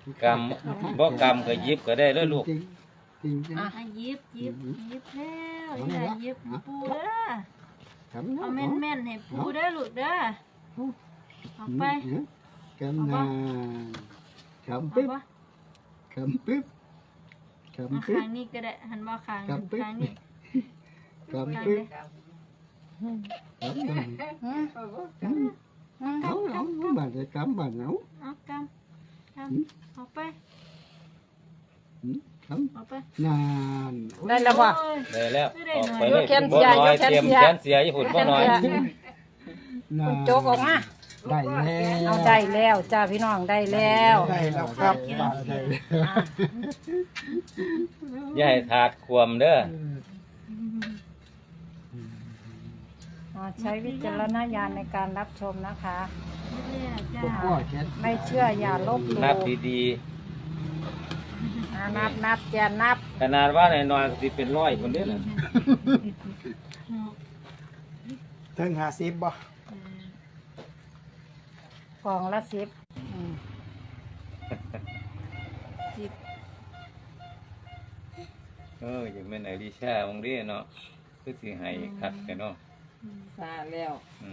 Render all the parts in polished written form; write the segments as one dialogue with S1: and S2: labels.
S1: กำบ่กำก็หยิบก็ได้เลยลูก
S2: หยิบแล้วอย่าหยิบปูเด้อเอาแม่นๆให้ปูเด้อลูกเด้อเอาไป
S3: กำนานกำปิ๊บกำปิ๊บกำปิ๊บ
S2: ข้างนี้ก็ได้หันมาข้างนี้
S3: กำปิ๊บกำนานเอาบ้านจะกำบ้านเอา
S2: เอากำเอาไป
S3: กำ
S2: เอาไป
S3: นาน
S4: ได้แล้วบ่
S1: ได้แล้วออกไปเลย
S4: ยกแขน
S1: บ่
S4: เสีย
S1: น้อย
S4: ยกแขน
S1: เตรียม
S4: เสีย
S1: แขนเสียญี่ปุ่นบ่น้อย
S3: นาน
S4: โจกออกมา
S3: ได้แล้ว
S4: เอาได้แล้วจ้าพี่น้องได้แล้ว
S3: ได้แล้วครับได้แล้ว
S1: อย่าให้ถาดควมเด้อ
S4: ใช้วิจารณญาณในการรับชมนะคะ
S3: พวกพ่อแค่
S4: ไม่เชื่ออย่าลบหลู่
S1: นับดี
S4: นับจะนับ
S1: ๆขนาดว่าน้อยๆก็สิเป็น100คนเด้อน่ะ
S3: ถึง50บ่
S4: กล่องละ10
S1: อย่างแม่นไอริชาบางเด้เนาะคือสิให้คักแต่เนาะ
S4: ซาแล้ว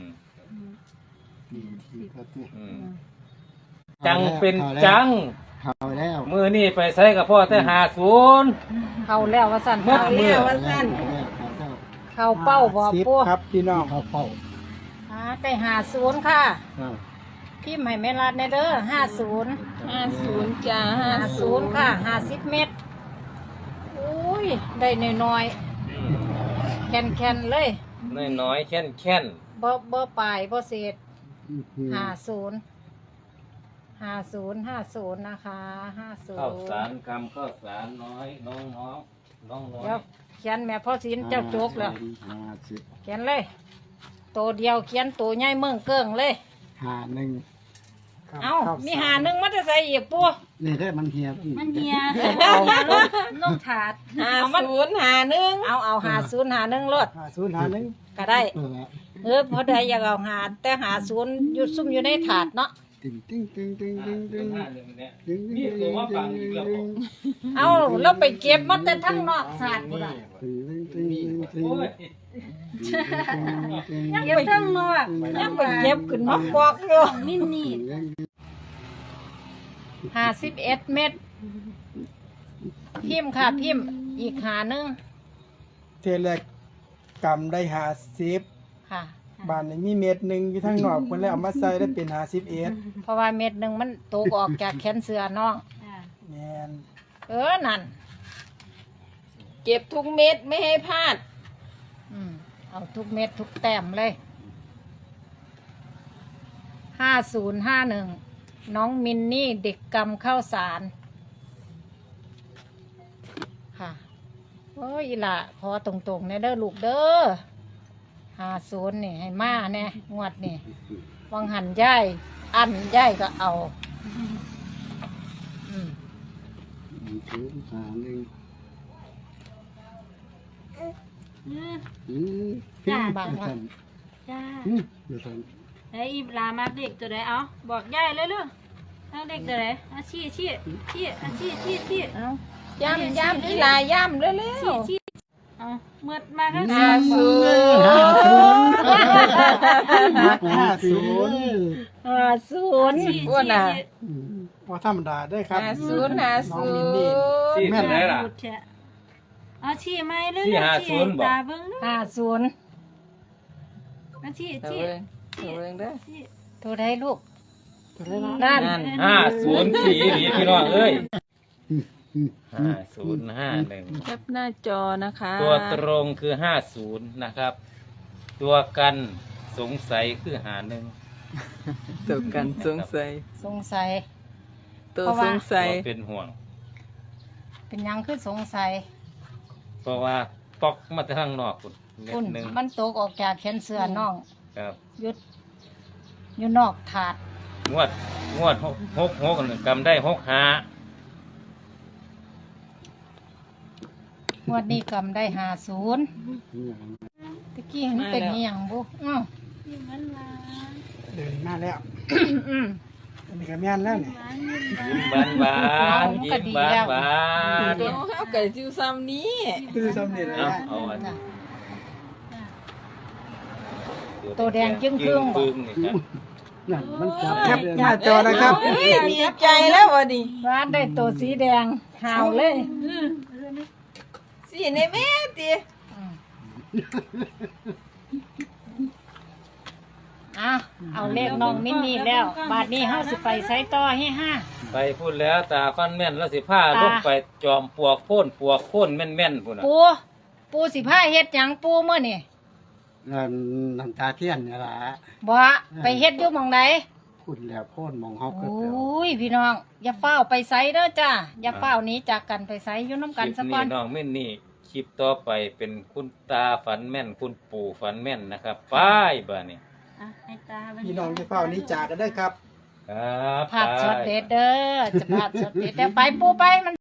S1: จังเป็นจัง
S3: เข้าแล้ว
S1: มือนี่ไปใส่กับพ่อแต่50
S4: เข้าแล้วว่าสั่นเข้าแล้วว่าสั่นเข้าเป้าบ่ปู
S3: ครับพี่น้องเข้าเป้า
S4: ได้50ค่ะพิมพ์ให้แม่รัดในเด้อ50จ้า50ค่ะ50 เม็ดอุ้ยได้น้อยๆแคนๆเลย
S1: น้อยๆแค่น
S4: บ่ปลายบ่เศษ50นะคะ50
S1: ข้าวสารกำข้าวสารน้อยน้อง
S4: เดี๋ยวเขียนแม่พ่อศิลป์เจ้าโจกแล้วเขียนเลยตัวเดียวเขียนตัวใหญ่เมืองเกิ้งเลย
S3: 51
S4: เอามี51มันจะใส่อีกปู
S3: นี่ได้มันเฮีย
S2: มันเฮียลงถาด
S4: 5051เอา5051รถ
S3: 5051
S4: ก็ได้พอได้อยากเอาหาแต่50อยู่ซุ่มอยู่ในถาดเนาะ
S3: ตึงตึงตึงตึงตึงตึง
S1: นี่ตัวว่าปังอีกแล้ว
S4: เอาแล้วไปเก็บมาแต่ทั้งนอกถาดพุ่นน่ะ
S1: โอ้ย
S2: เก็บทั้งนอก
S4: ยังไปเก็บขึ้นมาปอกอยู่
S2: มินนี่
S4: 51 เม็ดพิมพ์ค่ะพิมพ์อีก51
S5: เทแรกกำได้50
S4: ค่ะ
S5: บานนี้มีเม็ดหนึ่งอยู่ทั้งนอกเพิ่นเลยเอามาใส่ได้เป็น51
S4: เพราะว่าเม็ดหนึ่งมันตกออกจากแขนเสื้อน้อง
S5: แม่น
S4: นั่น
S6: เก็บทุกเม็ดไม่ให้พลาด
S4: เอาทุกเม็ดทุกแต้มเลย5051น้องมินนี่เด็กกำข้าวสารค่ะโอ้ยอีหล่ะขอตรงๆเนี่ยเด้อลูกเด้อ50นี่ให้มาแน่งวดนี่วังหันย่ายอันย่ายก็เอา
S2: จ้า
S4: บางว่า
S2: จ้าไอ้อีลามาเด็กตัวไหนเอาบอกยายเลยลูกเอาเด็กตัวไหนเอาชี้
S4: เอาย่ำอีหลาย่ำเร็ว
S2: ชี้เอาเมื่อมาข้าง
S4: 50
S5: 50
S4: ว่าน่ะ
S5: บ่ธรรมดาเด้อครับ
S4: 50
S5: น้องมินนี่
S1: ที่แม่นไหนล่ะ
S2: เอาชี้ไหมเลย
S1: ชี้50บอก
S2: ตาเบิ้ง
S4: 50
S2: เอาชี้
S6: เบิ่งเด้อ
S4: โทรได้ลูกนั่น
S1: 504นี่พี่น้องเอ้ย5051
S6: แคปหน้าจอนะคะ
S1: ตัวตรงคือ50นะครับ ตัวกันสงสัยคือ51
S6: ตัวกันสงสัย
S4: สงสัย
S6: ตัว
S4: เพราะ
S6: ส
S4: ว่า
S6: งสัย
S1: ตัวเป็นห่วง
S4: เป็นหยังคือสงสัย
S1: เพราะว่าปอกมาทางนอกคุณเม็ด
S4: คุณ
S1: หนึ่ง
S4: มันตกออกจากแขนเสื้อน้อง
S1: ครับ
S4: ยุดอยู่นอกถาด
S1: งวด6กำได้65
S4: งวดนี้กำได้50ตะกี้มันเป็นอหย่างบุ
S2: ที่มันมา
S5: เดินมาแล้วอันนี้ก็แม่นแล้วนี่
S1: ยิ้มหวานๆยิ้มหวานหวาน
S6: เดี๋ยวเฮาก็สิซ้ำนี้
S5: คือสำเร็จ
S1: ๆ
S5: แล้
S1: เอา
S5: ว
S1: เอาอัน
S4: ตัวแดงจึ้งครึ่งบ่
S1: นี่ครับ
S3: นั่นมันจับ
S5: แคปหน้าจอนะครับ
S6: เฮ้ยดีใจแล้ววันนี้
S4: ร้านได้ตัวสีแดงหาวเลย
S6: สิในแม่ติ
S4: เอาเลขน้องมินนี่แล้ว บาทนี้เฮาสิไปไสต่อให้ห้า
S1: ไปพูดแล้วตาฟันแม่นแล้วสิผ้าลงไปจอมปวกโค่นแม่นๆพุ่นน่ะ
S4: ปูสิผ้าเฮ็ดหยังปูมื้อนี่
S3: นั่นน้ำตาเทียนนี่ล่ะ
S4: บ่ไปเฮ็ดอยู่หม่องใด
S3: พูดแล้วโพ่นมองเฮา
S4: โอ
S3: เกิดแล้ว
S4: ้ยพี่น้อง อย่าเฝ้าวไปไสเด้อจ้าอย่าเฝ้าวหนี้จากกันไปไสอยู่น้ำ
S1: ค
S4: กัน
S1: ลิป
S4: ซะก่
S1: นี้
S4: อน
S1: น้องแม่นนี่คลิปต่อไปเป็นคุณตาฝันแม่นคุณปู่ฝันแม่นนะครับไปบ้านี้
S2: อ่ะให้ตา
S5: พี่น้องจะเฝ้านี้จากกันได้อครับ
S1: ครับ
S4: ภาพ
S1: ไป
S4: ช็อตเด็ดเด้อจะภาพช็อตเด็ดเดี๋ยวไปปูไปมัน